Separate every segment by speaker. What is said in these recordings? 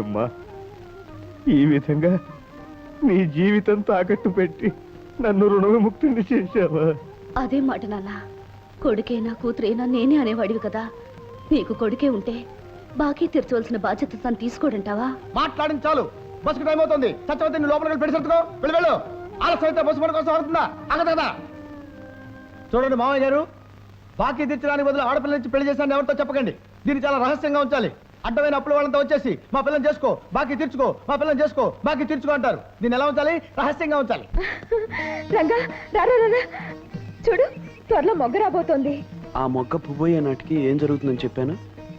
Speaker 1: అమ్మా ఈ విధంగా నీ జీవితం తాకట్టు పెట్టి నన్ను రుణవిముక్తిని చేశావా?
Speaker 2: అదే మాట నాన్న, కొడుకేనా కూతురేనా నేనే అనేవాడివి కదా. నీకు కొడుకే ఉంటే బాకీ తీర్చవలసిన బాధ్యత తను తీసుకోడంటావా?
Speaker 1: మాట్లాడింది చాలు, బస్సుకు టైం అవుతుంది. సత్యవతి నువ్వు లోపలికి పెట్టి సర్దుకో, వెళ్ళి వెళ్ళు. ఆలస్యం అయితే బస్సు మన కోసం అవుతుందా? అగదా చూడండి మామయ్య గారు, బాకీ తీర్చడానికి బదులు ఆడపిల్ల నుంచి పెళ్లి చేశాను ఎవరితో చెప్పకండి. దీన్ని చాలా రహస్యంగా ఉంచాలి. అడ్డమైన అప్పుల వాళ్ళంతా వచ్చేసి మా పిల్లని చేసుకో బాకీ తీర్చుకో, మా పిల్లని చేసుకో బాకీ తీర్చుకో అంటారు. దీన్ని ఎలా ఉంచాలి? రహస్యంగా ఉంచాలి.
Speaker 2: రంగా రారా రారా, చూడు త్వరలో మొగ్గ రాబోతోంది.
Speaker 3: ఆ మొగ్గ పువ్వయ్యే నాటికి ఏం జరుగుతుందని చెప్పాను?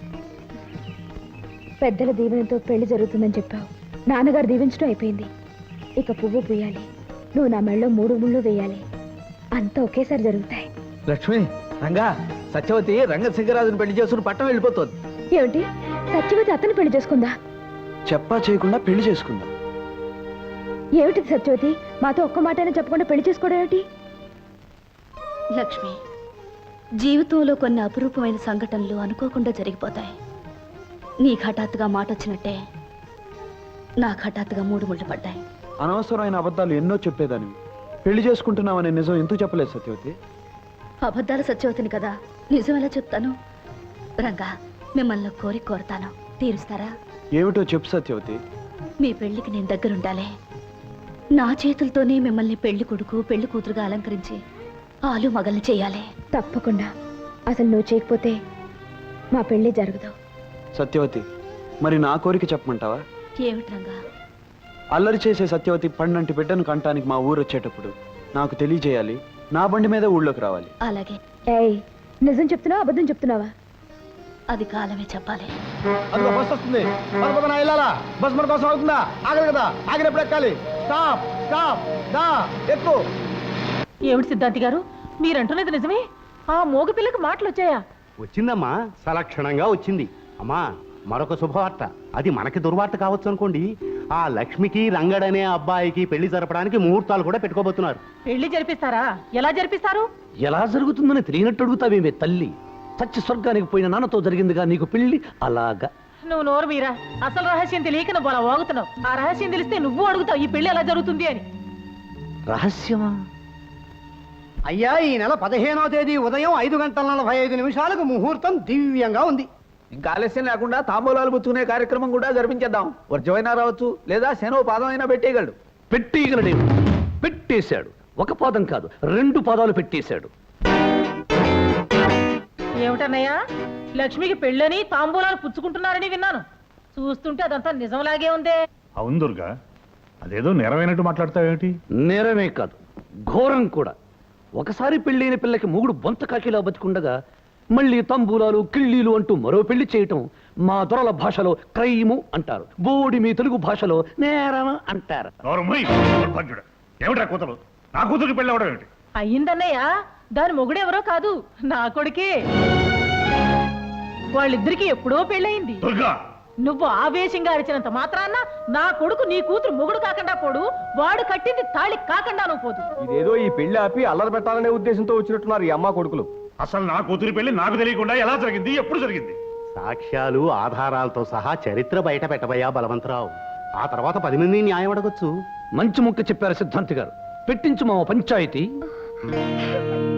Speaker 2: పెద్దల దీవెనతో పెళ్లి జరుగుతుందని చెప్పావు. నాన్నగారు దీవించడం అయిపోయింది. ఇక పువ్వు పూయాలి, నువ్వు నా మెళ్ళలో 3 ముళ్ళు వేయాలి. అంతా ఒకేసారి జరుగుతాయి.
Speaker 1: లక్ష్మి, రంగా, సత్యవతి రంగసింగరాజుని పెళ్లి చేసుకుని పట్టం వెళ్ళిపోతుంది.
Speaker 2: ఏమిటి, సత్యవతి అతను పెళ్లి చేసుకుందా?
Speaker 3: చెప్పా చేయకుండా పెళ్లి చేసుకుందా?
Speaker 2: ఏమిటి సత్యవతి, మాతో ఒక్క మాటైనా చెప్పకుండా పెళ్లి చేసుకోవడం ఏమిటి? లక్ష్మి, జీవితంలో కొన్ని అపురూపమైన సంఘటనలు అనుకోకుండా జరిగిపోతాయి. నీకు హఠాత్తుగా మాట వచ్చినట్టే నాకు హఠాత్తుగా 3 ముళ్ళు పడ్డాయి.
Speaker 3: అనవసరమైన అబద్ధాలు ఎన్నో చెప్పేదానివి. పెళ్లి చేసుకుంటున్నావనే నిజం ఎందుకు చెప్పలేదు సత్యవతి?
Speaker 2: అబద్ధాలు సత్యవతిని కదా, నిజం ఎలా చెప్తాను? రంగా, మిమ్మల్ని కోరిక కోరతాను, తీరుస్తారా?
Speaker 3: ఏమిటో చెప్పు సత్యవతి.
Speaker 2: మీ పెళ్లికి నేను దగ్గరుండాలి. నా చేతులతోనే మిమ్మల్ని పెళ్లి కొడుకు పెళ్లి కూతురుగా అలంకరించి ఆలు మగల్ని చేయాలి. తప్పకుండా. అసలు నువ్వు చేయకపోతే మా పెళ్లి జరగదు.
Speaker 3: సత్యవతి, మరి నా కోరిక చెప్పమంటావా?
Speaker 2: ఏమిటి రంగా?
Speaker 3: అల్లరి చేసే సత్యవతి పండంటి బిడ్డను కంటానికి మా ఊరు వచ్చేటప్పుడు నాకు తెలియజేయాలి. నా బండి మీద ఊళ్ళోకి రావాలి.
Speaker 2: అలాగే. ఏయ్, నిజం చెప్తున్నావా అబద్ధం చెప్తున్నావా? అది కాలమే చెప్పాలి.
Speaker 1: బస్ వస్తుంది, బస్ మన కోసం అవుతుందా? ఆగదు కదా, ఆగినప్పుడు ఎక్కాలి. స్టాప్ స్టాప్ దా ఎక్కు.
Speaker 4: ఏమిటి సిద్ధాంతి గారు, మీరంటున్నది నిజమే? ఆ మోగ పిల్లకి మాటలు వచ్చాయా?
Speaker 5: వచ్చిందమ్మా, సలక్షణంగా వచ్చింది. అమ్మా, మరొక శుభవార్త. అది మనకి దుర్వార్త కావచ్చు అనుకోండి. ఆ లక్ష్మికి రంగడనే అబ్బాయికి పెళ్లి జరపడానికి ముహూర్తాలు కూడా పెట్టుకోబోతున్నారు.
Speaker 4: పెళ్లి జరిపిస్తారా? ఎలా జరిపిస్తారు?
Speaker 6: ఎలా జరుగుతుందని తెలియనట్టు అడుగుతావేమే తల్లి. సత్య స్వర్గానికి పోయిన నాన్నతో జరిగిందిగా నీకు పెళ్లి. అలాగా
Speaker 4: నువ్వు నోరు మీరా, అసలు రహస్యం తెలియక నువ్వు అలా వాగుతున్నావు. ఆ రహస్యం తెలిస్తే నువ్వు అడుగుతావు ఈ పెళ్లి ఎలా జరుగుతుంది అని.
Speaker 6: రహస్యమా?
Speaker 5: అయ్యా, ఈ నెల 15వ తేదీ ఉదయం 5:45 ముహూర్తం దివ్యంగా ఉంది.
Speaker 1: ఇంకా ఆలస్యం లేకుండా తాంబూలాలు పుచ్చుకునే కార్యక్రమం కూడా జరిపించేద్దాం. వర్జమైనా రావచ్చు, లేదా శనో పాదం అయినా పెట్టేయగలడు.
Speaker 6: పెట్టేయగలడే, పెట్టేశాడు. ఒక పాదం కాదు, 2 పాదాలు పెట్టేశాడు.
Speaker 4: ఏమిటన్నయ్యా, లక్ష్మికి పెళ్ళని తాంబూలాలు పుచ్చుకుంటున్నారని విన్నాను. చూస్తుంటే అదంతా నిజంలాగే ఉందే.
Speaker 7: అవును దుర్గా, అదేదో నెరవేనట్టు మాట్లాడతావేమిటి?
Speaker 6: నేరమే కాదు, ఘోరం కూడా. ఒకసారి పెళ్ళైన పిల్లకి మొగుడు బొంత కాకిలా బతికుండగా మళ్ళీ తంబూలాలు కిళ్ళీలు అంటూ మరో పెళ్లి చేయటం మా దొరల భాషలో క్రైము అంటారు. బోడి మీ తెలుగు భాషలో నేరం అంటారు.
Speaker 7: ఏమిటా కూతురు? నా కూతురికి పెళ్ళి అవడం ఏమిటి?
Speaker 4: అయ్యిందన్నయ్య, దాని మొగుడెవరో కాదు, నా కొడుకే. వాళ్ళిద్దరికి ఎప్పుడో పెళ్ళయింది. నువ్వు ఆవేశంగా అరిచినంత మాత్రాన్న నా కొడుకు నీ కూతురు మొగుడు కాకుండా పోడు, వాడు కట్టింది తాళి కాకుండా నువ్వు పోదు.
Speaker 1: ఇదేదో ఈ పెళ్లి ఆపి అల్లరి పెట్టాలనే ఉద్దేశంతో వచ్చినట్టున్నారు ఈ అమ్మ కొడుకులు.
Speaker 7: అసలు నా కూతురి పెళ్లి నాకు తెలియకుండా ఎలా జరిగింది, ఎప్పుడు జరిగింది?
Speaker 5: సాక్ష్యాలు ఆధారాలతో సహా చరిత్ర బయట పెట్టబోయా బలవంతరావు. ఆ తర్వాత 10 మంది న్యాయం అడగొచ్చు.
Speaker 6: మంచి ముక్క చెప్పారు సిద్ధాంతి గారు. పెట్టించు మా పంచాయతీ.